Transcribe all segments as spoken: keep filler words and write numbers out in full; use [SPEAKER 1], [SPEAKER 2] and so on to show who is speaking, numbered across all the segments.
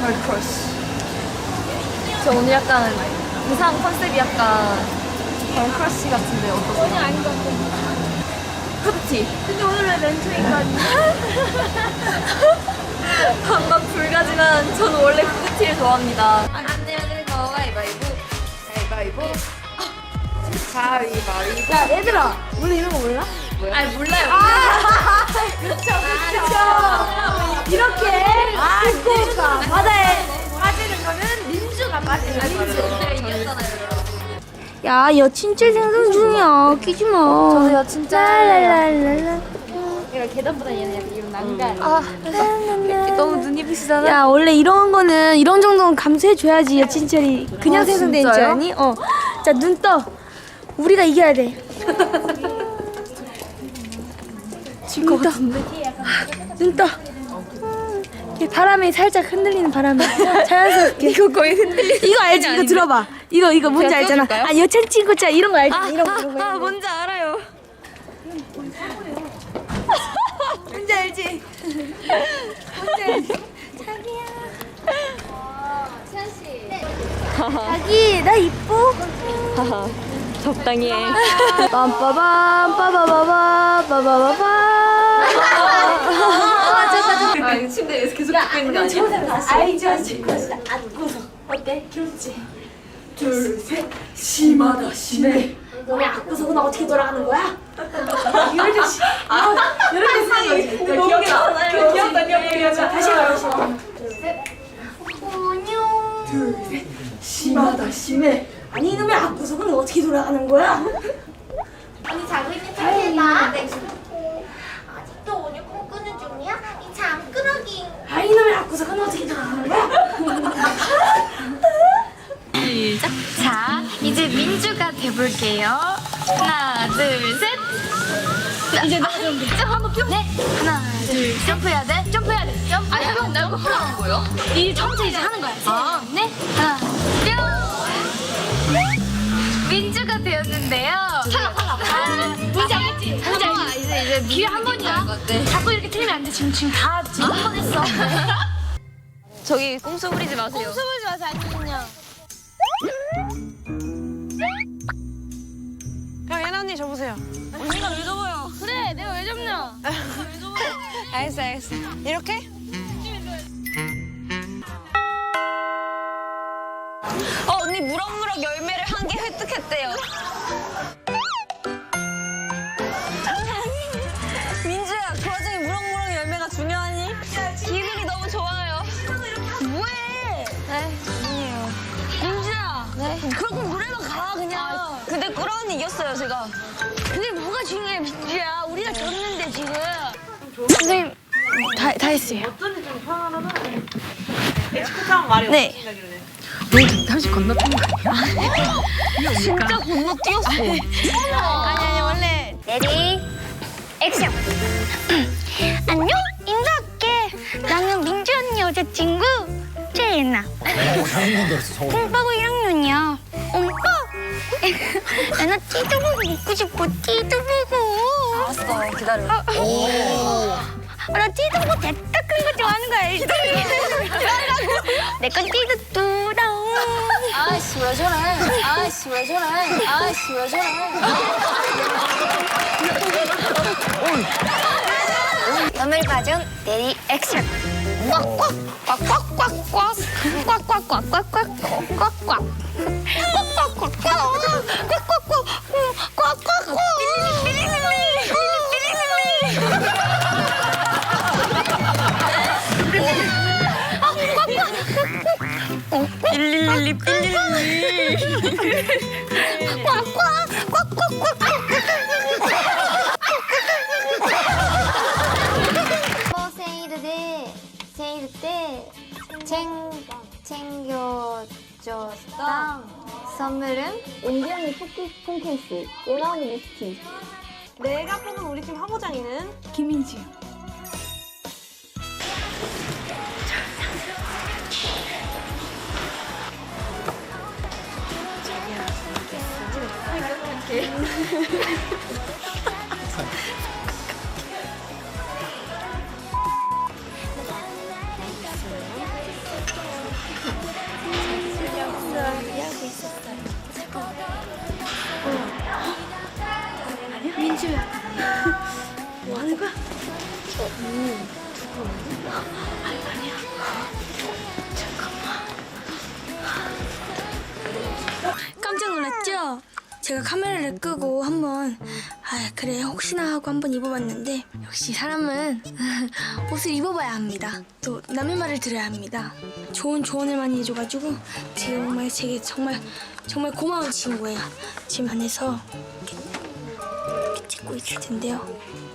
[SPEAKER 1] 걸크러쉬. 저 오늘 약간 의상 컨셉이 약간 걸크러쉬 같은데 어떠세요?
[SPEAKER 2] 전혀 아닌 것 같아요.
[SPEAKER 1] 그렇지.
[SPEAKER 2] 근데 오늘 왜 렌트인까지?
[SPEAKER 1] 반반 불가지만 저는 원래 후드티를 좋아합니다. 안 내면 거 가위바위보. 가위바위보. 가위바위보.
[SPEAKER 2] 야 얘들아, 우리 이런 거 몰라?
[SPEAKER 1] 아니 몰라요.
[SPEAKER 2] 아, 그쵸 그쵸. 이렇게 아, 바다에 빠지는 거는 민주가 빠지는 민주.
[SPEAKER 1] 제가 이겼잖아요.
[SPEAKER 2] 야, 여친째 생선 중이야. 끼지 마.
[SPEAKER 1] 저도요, 진짜.
[SPEAKER 2] 랄랄랄랄라.
[SPEAKER 1] 이런 계단보다 얘는 약간 이런 난간.
[SPEAKER 2] 아,
[SPEAKER 1] 너무 눈이 부시잖아.
[SPEAKER 2] 야, 원래 이런 거는 이런 정도는 감수해줘야지 여친철이 그냥
[SPEAKER 1] 아,
[SPEAKER 2] 생선된 줄
[SPEAKER 1] 진짜요?
[SPEAKER 2] 아니? 어. 자, 눈 떠. 우리가 이겨야 돼. 눈 떠. 눈 떠. 이렇게 바람에 살짝 흔들리는 바람에 자연스럽게.
[SPEAKER 1] 이거 거의 흔들리는.
[SPEAKER 2] 이거 알지? 이거 들어봐. 이거 이거 뭔지
[SPEAKER 1] 제가
[SPEAKER 2] 알잖아.
[SPEAKER 1] 띄워줄까요?
[SPEAKER 2] 아, 여친 친구자 이런 거 알지? 이런 거 이런 거.
[SPEAKER 1] 아,
[SPEAKER 2] 이런 거.
[SPEAKER 1] 뭔지 알아요.
[SPEAKER 2] 뭔지 알지? 뭔지 알지? 자기야. 자기 나 이뻐?
[SPEAKER 1] 적당히 해.
[SPEAKER 2] 빰빠밤 빠바바바 빠바바바.
[SPEAKER 1] 아, 이거 침대에서 계속 듣고 있는 거 아니야?
[SPEAKER 2] 알지 알지. 안고서 어때? 귀엽지?
[SPEAKER 1] 둘셋 심하다 심해.
[SPEAKER 2] 너네 안고서는 어떻게 돌아가는 거야? 이럴 씨. 아, 이렇게 쓰는 거지.
[SPEAKER 1] 너무 귀엽잖아요. 귀엽다 귀엽다.
[SPEAKER 2] 다시 해봐 다시 해봐. 둘셋. 안녕.
[SPEAKER 1] 둘셋 심하다 심해.
[SPEAKER 2] 아니 이놈의 앞구석은 어떻게 돌아가는 거야?
[SPEAKER 3] 언니 자고 있는 척해봐. 아직도 오늘 꿈꾸는 중이야? 이 잠끄러기.
[SPEAKER 2] 아 이놈의 앞구석은 어떻게 돌아가는 거야?
[SPEAKER 4] 시작. 자, 이제 민주가 돼볼게요. 하나, 둘, 셋. 이제 나 좀. 한번 뿅. 네. 하나, 둘, 점프해야 돼. 점프해야 돼. 점프. 아니, 안 나고 하는 거요? 이 처음부터 이제 하는 거야. 아, 네. 하나, 뿅. 민주가 되었는데요. 탈락, 탈락. 뭔지 알겠지? 뭔지 알지? 이제 이제 기회 한 번이야. 자꾸 이렇게 틀리면 안 돼. 지금 지금 다 지금 한 번 했어.
[SPEAKER 1] 저기 꼼수 부리지 마세요.
[SPEAKER 2] 숨을 마서 아니면요.
[SPEAKER 5] 그럼 예나 언니 접으세요.
[SPEAKER 2] 언니가 왜 접어요? 그래, 내가 왜 접냐? 왜 접어?
[SPEAKER 5] 알겠어, 알겠어. 이렇게?
[SPEAKER 1] 어 언니 무럭무럭 열매를 한 개 획득했대요. 민주야 그 와중에 무럭무럭 열매가 중요하니? 기분이 너무 좋아요.
[SPEAKER 4] 뭐해? 네, 아니에요. 민주야. 네. 그럼 노래방 가 그냥.
[SPEAKER 1] 근데 꾸라 언니 이겼어요 제가.
[SPEAKER 4] 근데 뭐가 중요해 민주야? 우리가 졌는데 지금.
[SPEAKER 2] 선생님 다, 다 했어요.
[SPEAKER 5] 어쩐지 좀 편안하다. 에치코타운 말이
[SPEAKER 2] 네.
[SPEAKER 5] 없으시다길래.
[SPEAKER 1] 잠시 건너뛴 거 아니야? 진짜 건너뛰었어.
[SPEAKER 2] 아니 아니 원래
[SPEAKER 4] 레디 액션. 안녕 인사할게. 나는 민주 언니 여자친구 최예나.
[SPEAKER 6] 오, 잘못 건드렸어, 서울.
[SPEAKER 4] 콩빠고 일 학년이야. 오빠. 나나 띠두부고 먹고 싶어. 띠두부고.
[SPEAKER 1] 알았어 기다려.
[SPEAKER 4] 아, 나 띠두부 대따 큰 거 좋아하는 거 알지? 내건 띠두뚜다.
[SPEAKER 1] 아이씨 왜 저래? 아이씨 왜 저래? 아이씨 왜 저래?
[SPEAKER 4] 덤을 봐준 레디 액션. 꽉꽉꽉꽉꽉꽉 꽉꽉꽉꽉꽉 꽉꽉 꽉꽉꽉꽉
[SPEAKER 1] 삐릴리 삐릴리.
[SPEAKER 3] 뭐 세일 때 세일 때 챙, 챙겨줬던 선물은
[SPEAKER 2] 온전히 토끼 폰케이스, 예나언니 립스틱,
[SPEAKER 5] 내가 뽑은 우리 팀 화보장이는
[SPEAKER 2] 김민지.
[SPEAKER 7] 제가 카메라를 끄고 한번 아 그래 혹시나 하고 한번 입어봤는데 역시 사람은 옷을 입어봐야 합니다. 또 남의 말을 들어야 합니다. 좋은 조언을 많이 해줘가지고 지금 정말 제게 정말 정말 고마운 친구예요. 지금 안에서 이렇게, 이렇게 찍고 있을 텐데요.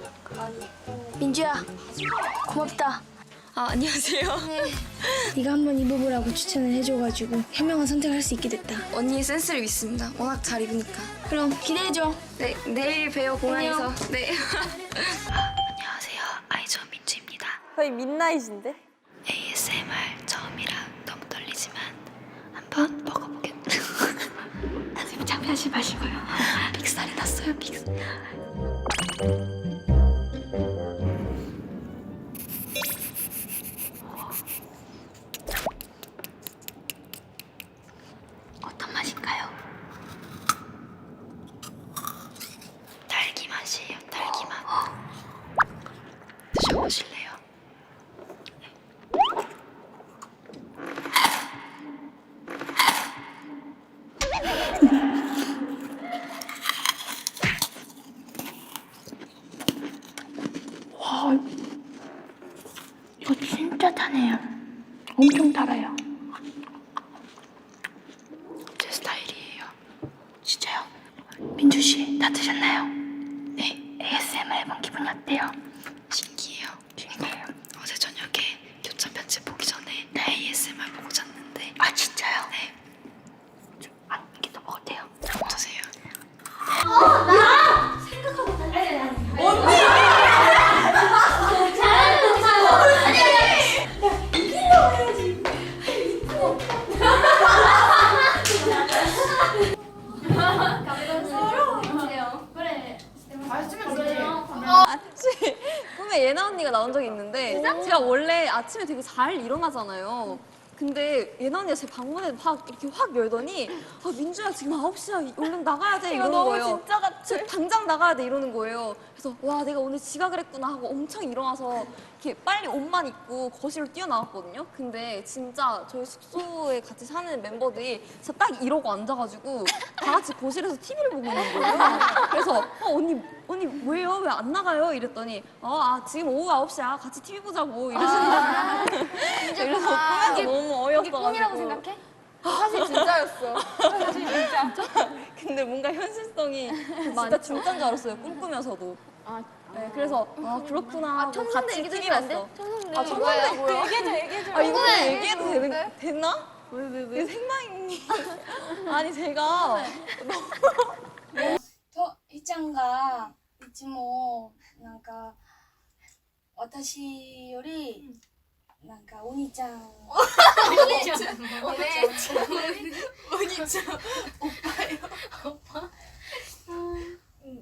[SPEAKER 7] 민주야 고맙다. 아 안녕하세요. 네. 네가 한번 입어보라고 추천을 해줘가지고 현명한 선택을 할 수 있게 됐다. 언니의 센스를 믿습니다. 워낙 잘 입으니까. 그럼 기대해줘. 네 내일 봬요 공항에서. 네. 안녕하세요 아이즈원 민주입니다.
[SPEAKER 1] 거의 민나잇인데?
[SPEAKER 7] 에이에스엠알 처음이라 너무 떨리지만 한번 먹어보겠습니다. 선생님 참여하지 마시고요. 빅살이 났어요 빅살. 어떤 맛인가요? 딸기 맛이에요 딸기 맛. 드셔보실래요? 와, 이거 진짜 타네요. 엄청 달아요. 제 스타일이에요. 진짜요? 민주 씨, 다 드셨나요? 네, 에이에스엠알 해본 기분이 어때요? 신기해요. 신기해요. 어제 저녁에 교차 편집 보기 전에 네. 에이에스엠알 보고 잤는데. 아 진짜요? 네. 좀 안, 이게 더 먹어도 돼요? 어떠세요?
[SPEAKER 1] 꿈에 예나 언니가 나온 적이 있는데 제가 원래 아침에 되게 잘 일어나잖아요. 근데 예나 언니가 제 방문에 확 이렇게 확 열더니 아 민주야 지금 아홉 시야 얼른 나가야 돼 이러는
[SPEAKER 2] 너무
[SPEAKER 1] 거예요.
[SPEAKER 2] 진짜 같아.
[SPEAKER 1] 지금 당장 나가야 돼 이러는 거예요. 그래서 와 내가 오늘 지각을 했구나 하고 엄청 일어나서 이렇게 빨리 옷만 입고 거실로 뛰어나왔거든요. 근데 진짜 저희 숙소에 같이 사는 멤버들이 진짜 딱 이러고 앉아가지고 다 같이 거실에서 티비를 보고 있는 거예요. 그래서 어, 언니 언니 왜요? 왜 안 나가요? 이랬더니 어, 아 지금 오후 아홉 시야 같이 티비 보자고 이러시는 거예요. 그래서 꿈에서 너무 어이없어가지고
[SPEAKER 4] 꿈이라고 생각해?
[SPEAKER 1] 사실 진짜였어. 사실 진짜. 근데 뭔가 현실성이 진짜 진짜인 줄 알았어요. 꿈꾸면서도. 아, 네, 그래서 아 그렇구나 하고 같이 티비 봤어. 아 천상대 뭐야? 얘기해줘 얘기해줘. 아 이거 얘기해도 되는, 됐나? 왜 왜 왜? 생방이 아니 제가
[SPEAKER 7] と、えちゃんがいつもなんか私よりなんかお兄ちゃんお兄ちゃんお姉ちゃんお兄ちゃんおっぱいおっぱいうん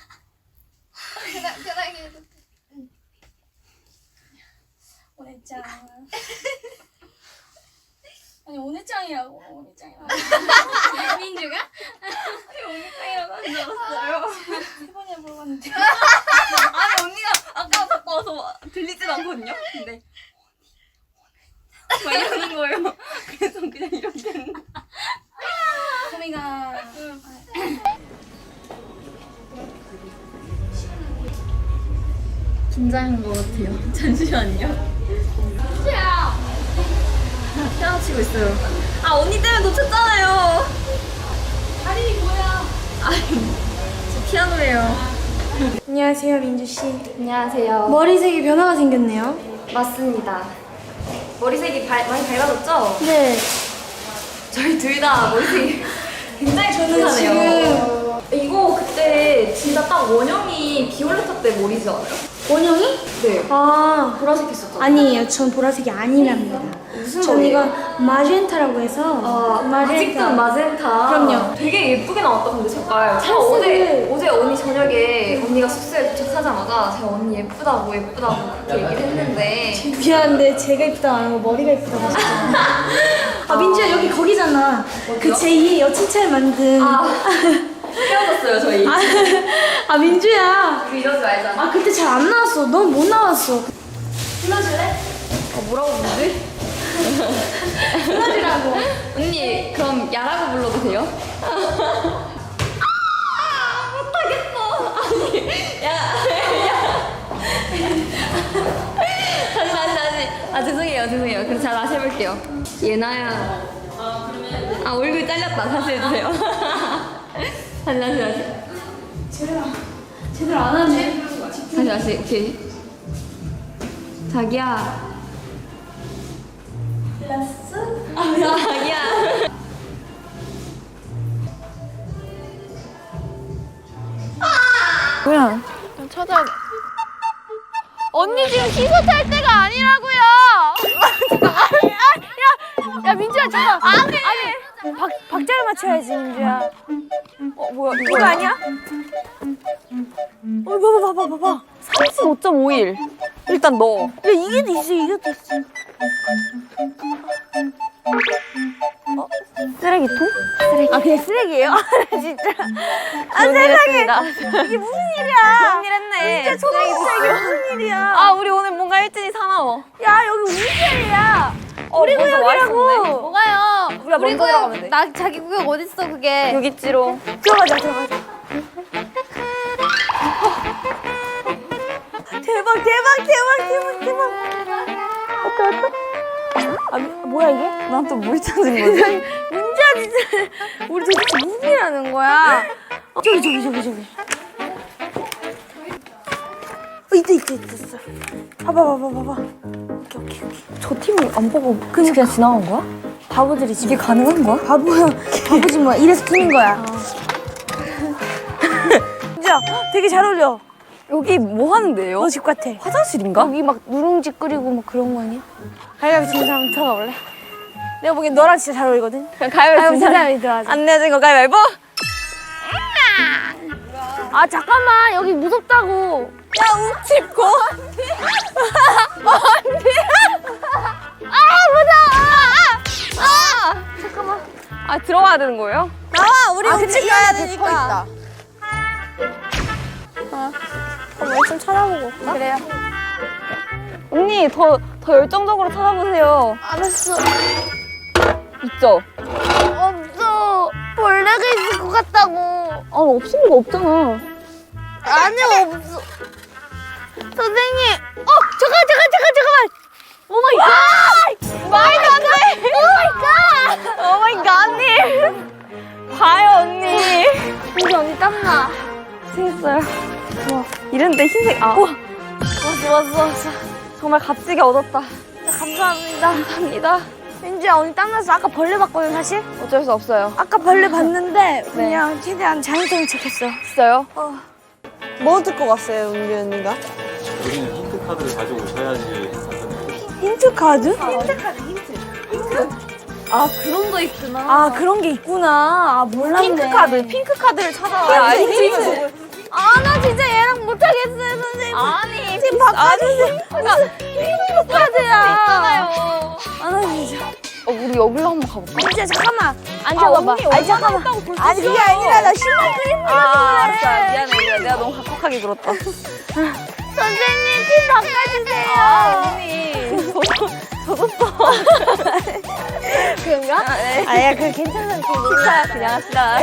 [SPEAKER 7] お姉ちゃん아니 오네짱이라고 오네짱이라고 민주가?
[SPEAKER 1] 오니짱이라고 하는 줄 알았어요.
[SPEAKER 7] 세 번이나 물어봤는데
[SPEAKER 1] 아니 언니가 아까 바꿔서 들리진 않거든요. 근데 막 이러는 거예요. 그래서 그냥 이렇게 했는데.
[SPEAKER 7] 소미가
[SPEAKER 1] 긴장한 것 같아요. 잠시만요. 피아노 치고 있어요. 아 언니 때문에 놓쳤잖아요. 아니 뭐야? 아니 저 피아노예요.
[SPEAKER 7] 안녕하세요 민주씨.
[SPEAKER 1] 안녕하세요.
[SPEAKER 7] 머리색이 변화가 생겼네요.
[SPEAKER 1] 맞습니다. 머리색이 발, 많이 밝아졌죠?
[SPEAKER 7] 네.
[SPEAKER 1] 저희 둘 다 머리색이 굉장히
[SPEAKER 7] 저는
[SPEAKER 1] 좋으네요. 이거 그때 진짜 딱 원영이 비올레타 때 머리지 않아요?
[SPEAKER 7] 원영이?
[SPEAKER 1] 네.
[SPEAKER 7] 아
[SPEAKER 1] 보라색 했었죠?
[SPEAKER 7] 아니에요. 전 보라색이 아니랍니다.
[SPEAKER 1] 무슨
[SPEAKER 7] 전
[SPEAKER 1] 머리예요?
[SPEAKER 7] 이건 마젠타라고 해서
[SPEAKER 1] 아, 아직도 마젠타.
[SPEAKER 7] 그럼요.
[SPEAKER 1] 되게 예쁘게 나왔다 근데 색깔. 제가
[SPEAKER 7] 탈색을-
[SPEAKER 1] 어제 어제 언니 저녁에 언니가 숙소에 도착하자마자 제가 언니 예쁘다고 예쁘다고 그렇게 얘기를 했는데
[SPEAKER 7] 미안한데 제가 이쁘다고 안 하고 머리가 이쁘다고 하셨잖아. 아 민주야 여기 거기잖아. 그 제이의 여친차를 만든.
[SPEAKER 1] 아 헤어졌어요 저희.
[SPEAKER 7] 아, 아 민주야.
[SPEAKER 1] 우리 이러지 말자.
[SPEAKER 7] 아 그때 잘 안 나왔어. 넌 못 나왔어.
[SPEAKER 1] 불러줄래? 어, 뭐라고 부르지?
[SPEAKER 7] 불러주라고.
[SPEAKER 1] 언니 그럼 야라고 불러도 돼요? 죄송해요, 죄송해요. 그럼 제가 다시 해볼게요. 예나야. 아, 얼굴 잘렸다. 다시 해주세요. 다시, 다시, 다시.
[SPEAKER 2] 제대로 제대로 안 하네.
[SPEAKER 1] 다시, 다시. 오케이. 자기야.
[SPEAKER 2] 라스?
[SPEAKER 1] 아, 자기야.
[SPEAKER 4] 찾아. 언니 지금 기소 탈 때가 아니라고요. 야, 야 민주야 잠깐. 아니 아니. 박 박자를 맞춰야지 민주야. 어 뭐야 이거 아니야? 어 봐봐 봐봐 봐봐. 삼십오 점 오일. 일단 넣어. 야 이게 돼 있어 이게 돼 있어. 어? 쓰레기통? 쓰레기. 아 그냥 쓰레기예요? 진짜. 아 세상에. 이게 무슨 일이야? 무슨 일 했네. 진짜 초등학생 이게 무슨 일이야? 아 우리 오늘 뭔가 일진이 사나워. 야 여기 우리 자리야. 우리 구역이라고. 뭐가요? 우리가 우리 먼저 들어가면 돼. 나 자기 구역 어딨어 그게? 여기 있지로. 들어가자 들어가자. 대박 대박 대박 대박 대박. 어떡 어떡? 아 뭐야 이게? 난 또 뭘 찾은 거지? 민주야 진짜 우리 도대체 무슨 일 하는 거야? 저기 저기 저기 저기. 어, 있다 있다 있다. 봐봐 봐봐 봐봐. 오케이 오케이 오케이. 저 팀을 안 보고 그냥 그냥 지나간 거야? 바보들이 지금 이게 가능한 거야? 바보야. 바보지 뭐야. 이래서 팀인 거야. 진짜 되게 잘 어울려. 여기 뭐 하는데요? 너 집 같아. 화장실인가? 여기 막 누룽지 끓이고 막 그런 거 아니야? 가위바위보 진 사람 들어가 볼래? 내가 보기엔 너랑 진짜 잘 어울리거든? 가위바위보 진 사람이 들어가자. 안 내어진 거 가위바위보? 아 잠깐만 여기 무섭다고. 야 웅집고. 언니. 아 무서워. 아 잠깐만. 아 들어가야 되는 거예요? 나와 우리 아, 웅집 가야 되니까. 한번 좀 찾아보고 올까? 그래요. 언니 더, 더 열정적으로 찾아보세요. 알았어. 있죠? 없어. 벌레가 있을 것 같다고. 아 없을 리가 없잖아. 아니 없어. 선생님. 어 잠깐 잠깐 잠깐 잠깐만. 오마이 갓. 말도 안 돼. 오마이 갓. 오마이 갓 언니. 봐요 언니. 우리 언니 땀나. 생겼어요. 와, 이런데 흰색, 아. 우와. 왔어, 왔어, 왔어. 정말 값지게 얻었다. 감사합니다. 감사합니다. 민지야, 오늘 땀나서 아까 벌레 봤거든, 사실? 어쩔 수 없어요. 아까 벌레 봤는데, 그냥 최대한 자연적인 척 했어. 진짜요? 어. 뭐 듣고 갔어요, 은비 언니가?
[SPEAKER 6] 우리는 힌트 카드를 가지고 오셔야지 했었는데.
[SPEAKER 2] 힌트 카드?
[SPEAKER 1] 힌트 카드, 힌트. 힌트? 아, 그런 거 있구나.
[SPEAKER 2] 아, 그런 게 있구나. 아, 몰랐네.
[SPEAKER 1] 핑크 카드, 핑크 카드를 찾아와야 알지. 아, 나 진짜 얘랑 못하겠어요, 선생님. 아니, 지금 바꿔주세요. 핑크 카드야. 있잖아요.
[SPEAKER 2] 아, 나 진짜.
[SPEAKER 1] 어, 우리 여기로 한번 가볼까?
[SPEAKER 2] 민지야, 잠깐만.
[SPEAKER 1] 아,
[SPEAKER 2] 앉아봐봐.
[SPEAKER 1] 언니
[SPEAKER 2] 아니, 잠깐만. 아니, 그게 아니라 나 신발 끓이는 거.
[SPEAKER 1] 아, 알았어. 미안해, 미안해. 내가 너무 각박하게 굴었다.
[SPEAKER 2] 선생님, 핀 바꿔주세요.
[SPEAKER 1] 아, 언니. 젖었어.
[SPEAKER 2] 그런가?
[SPEAKER 1] 아, 네.
[SPEAKER 2] 아야, 그래, 괜찮아.
[SPEAKER 1] 진짜 그냥 합시다.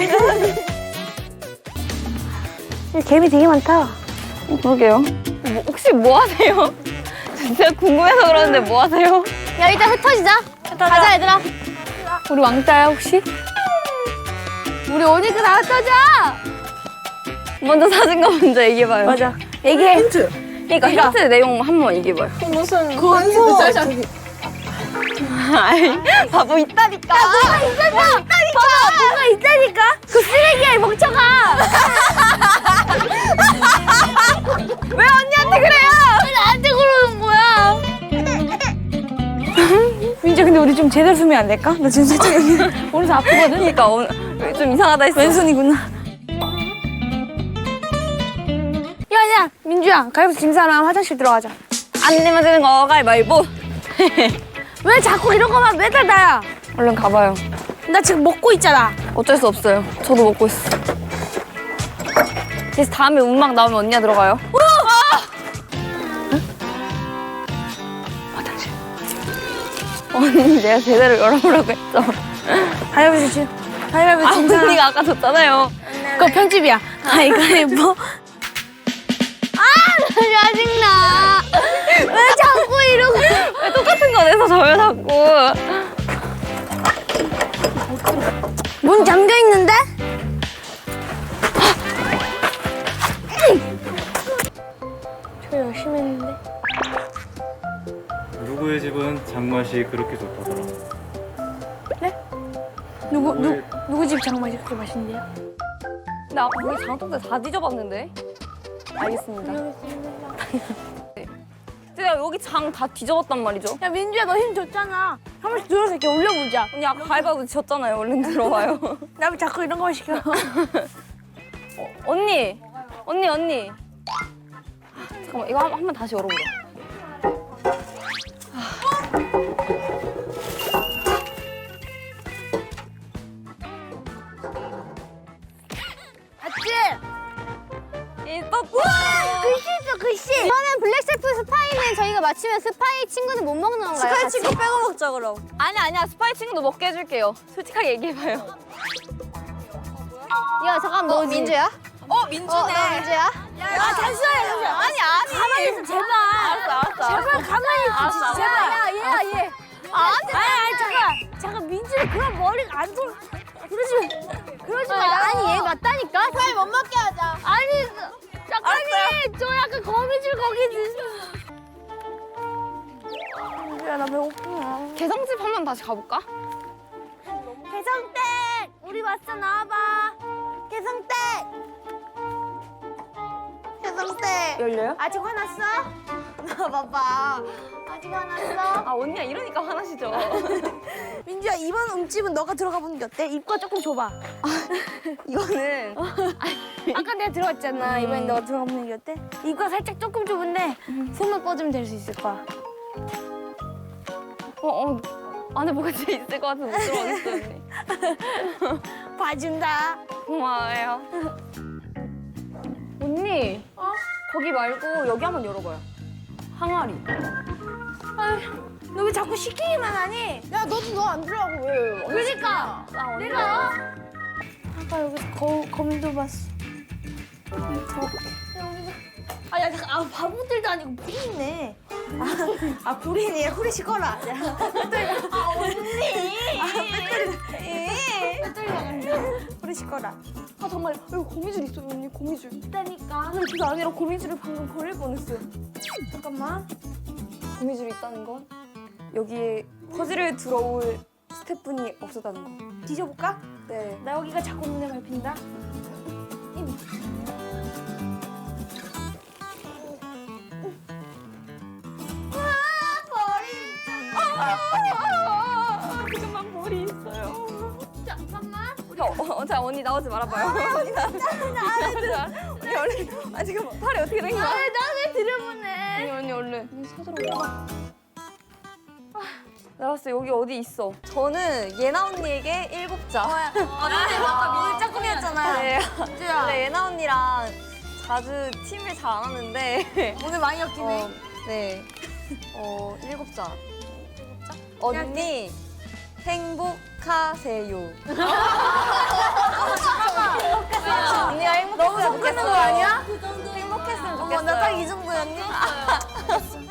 [SPEAKER 2] 개미 되게 많다.
[SPEAKER 1] 어, 그러게요. 뭐, 혹시 뭐 하세요? 진짜 궁금해서 그러는데 뭐 하세요?
[SPEAKER 4] 야 일단 흩어지자. 가자 얘들아.
[SPEAKER 1] 우리 왕따야 혹시?
[SPEAKER 4] 우리 오니까 다 흩어져.
[SPEAKER 1] 먼저 사진 거 먼저 얘기해봐요.
[SPEAKER 2] 맞아. 얘기해. 힌트.
[SPEAKER 1] 그러니까 힌트 내용 한번 얘기해봐요.
[SPEAKER 2] 무슨 그거
[SPEAKER 1] 아이, 바보 있다니까.
[SPEAKER 2] 뭐가 있다니까. 봐봐, 뭐가 있다니까. 그 쓰레기야, 이 멍청아.
[SPEAKER 1] 왜 언니한테 그래요?
[SPEAKER 4] 왜 나한테 그러는 거야?
[SPEAKER 2] 민지, 근데 우리 좀 제대로 쓰면 안 될까? 나 지금 살짝 여기 오른손 아프거든.
[SPEAKER 1] 그러니까 오늘 좀 이상하다 했어.
[SPEAKER 2] 왼손이구나. 야, 야, 민주야, 가위바위보 진 사람 화장실 들어가자.
[SPEAKER 1] 안 내면 되는 거 가위바위보.
[SPEAKER 2] 왜 자꾸 이런 거만 매달 나야?
[SPEAKER 1] 얼른 가봐요.
[SPEAKER 2] 나 지금 먹고 있잖아.
[SPEAKER 1] 어쩔 수 없어요. 저도 먹고 있어. 그래서 다음에 음악 나오면 언니가 들어가요. 아! 응? 화장실. 언니 내가 제대로 열어보라고 했죠.
[SPEAKER 2] 가위바위보 진, 가위바위보
[SPEAKER 1] 아,
[SPEAKER 2] 진 사람.
[SPEAKER 1] 언니가 아까 줬잖아요.
[SPEAKER 2] 그거 편집이야. 가위바위보.
[SPEAKER 4] 짜증나. 왜 자꾸 이러고?
[SPEAKER 1] 왜 똑같은 거 꺼내서 저를 자꾸.
[SPEAKER 7] 문 잠겨 있는데? 저 열심히 했는데.
[SPEAKER 6] 누구의 집은 장맛이 그렇게 좋다더라.
[SPEAKER 7] 누구 누
[SPEAKER 6] 누구의-
[SPEAKER 7] 누구 집 장맛이 그렇게 맛있는데요?
[SPEAKER 1] 근데 아까 거기 장독대 다 뒤져봤는데. 알겠습니다. 제가 여기 장 다 뒤져봤단 말이죠.
[SPEAKER 7] 야 민주야 너 힘 줬잖아. 한 번씩 들어서 이렇게 올려보자.
[SPEAKER 1] 언니 아까 가위바위보 졌잖아요. 얼른 들어와요.
[SPEAKER 7] 나 왜 자꾸 이런 거 시켜?
[SPEAKER 1] 언니, 언니, 언니. 아, 잠깐만 이거 한 번 다시 열어보자.
[SPEAKER 7] 맞지?
[SPEAKER 1] 있었어.
[SPEAKER 7] 글씨 있어 글씨.
[SPEAKER 3] 그러면 블랙 셰프 스파이는 저희가 맞추면 스파이 친구는 못 먹는 건가요?
[SPEAKER 1] 스파이
[SPEAKER 3] 같이?
[SPEAKER 1] 친구 빼고 먹자 그럼. 아니 아니야 스파이 친구도 먹게 해줄게요. 솔직하게 얘기해봐요.
[SPEAKER 3] 야 잠깐 너 민주야?
[SPEAKER 1] 어 민주네.
[SPEAKER 3] 어, 너 민주야?
[SPEAKER 7] 아 잠시만 잠시만.
[SPEAKER 1] 아니 아니.
[SPEAKER 7] 가만히 있어 제발.
[SPEAKER 1] 알았어 알았어.
[SPEAKER 7] 제발 가만히 있어
[SPEAKER 1] 알았어,
[SPEAKER 7] 진짜
[SPEAKER 1] 알았어.
[SPEAKER 7] 제발.
[SPEAKER 3] 야 얘야 얘.
[SPEAKER 7] 아니 아니 잠깐 잠깐 민주는 그런 머리가 안 돌. 그러지 그러지 마.
[SPEAKER 3] 아니 얘 맞다니까. 스파이 못 먹게 하자.
[SPEAKER 7] 아니 작가님 저 약간 거미줄 거기 있어. 민주야 나 배고프냐.
[SPEAKER 1] 개성집 한 번 다시 가볼까?
[SPEAKER 7] 개성댁 우리 왔어 나와봐. 개성댁. 개성댁.
[SPEAKER 1] 열려요?
[SPEAKER 7] 아직 화났어? 나와봐봐. 아직 화났어?
[SPEAKER 1] 아 언니야 이러니까 화나시죠.
[SPEAKER 7] 민주야 이번 음집은 너가 들어가 보는 게 어때? 입과 조금 좁아.
[SPEAKER 1] 이거는
[SPEAKER 7] 아까 내가 들어갔잖아. 이번엔 너가 들어가 보는 게 어때? 입과 살짝 조금 좁은데 손만 뻗으면 될 수 있을 거야.
[SPEAKER 1] 어, 어 안에 뭐가 진짜 있을 것 같아서 못 들어가겠어요 언니.
[SPEAKER 7] 봐준다.
[SPEAKER 1] 고마워요. 언니 거기 말고 여기 한번 열어봐요. 항아리.
[SPEAKER 7] 너 왜 자꾸 시키기만 하니?
[SPEAKER 1] 야 너도 너 안 들어가고 왜?
[SPEAKER 7] 그러니까
[SPEAKER 1] 아, 언니.
[SPEAKER 7] 내가 아까 여기서 거, 거미도 봤어. 아, 야, 잠깐, 아, 바보들도 아니고 불이네. 아, 아 불이네. 후레쉬 꺼라. 아, 언니. 아, 배터리. 배터리 나간다. 후레쉬 꺼라.
[SPEAKER 1] 아 정말 여기 고미줄 있어요 언니 고미줄.
[SPEAKER 7] 있다니까.
[SPEAKER 1] 아니 그게 아니라 고미줄을 방금 버릴 뻔했어요.
[SPEAKER 7] 잠깐만.
[SPEAKER 1] 고미줄이 있다는 건 여기에 퍼즐을 들어올 스태프분이 없었다는 거.
[SPEAKER 7] 뒤져볼까?
[SPEAKER 1] 네.
[SPEAKER 7] 나 여기가 자꾸 눈에 밟힌다.
[SPEAKER 1] 그만 머리 있어요. 잠깐만. 자, 어, 자 언니 나오지 말아봐요. 언니 나오지 마. 언니 얼른. 아 지금 팔이 어떻게 된 거야?
[SPEAKER 7] 나왜 들여보내?
[SPEAKER 1] 언니 언니 얼른. 언니 찾으러 가. 나왔어 여기 어디 있어? 저는 예나 언니에게 일곱 자. 아 근데 아까 민우 짝꿍이었잖아요. 네. 근데 예나 언니랑 자주 팀을 잘 안 하는데
[SPEAKER 7] 오늘 많이 엮이네.
[SPEAKER 1] 어, 네. 어 일곱 자. 언니 행복하세요. 언니가 행복했으면
[SPEAKER 7] 너무 섞이는
[SPEAKER 1] 좋겠어요.
[SPEAKER 7] 거 아니야?
[SPEAKER 1] 행복했으면 좋겠어요.
[SPEAKER 7] 어머, 나 딱 이 정도였니?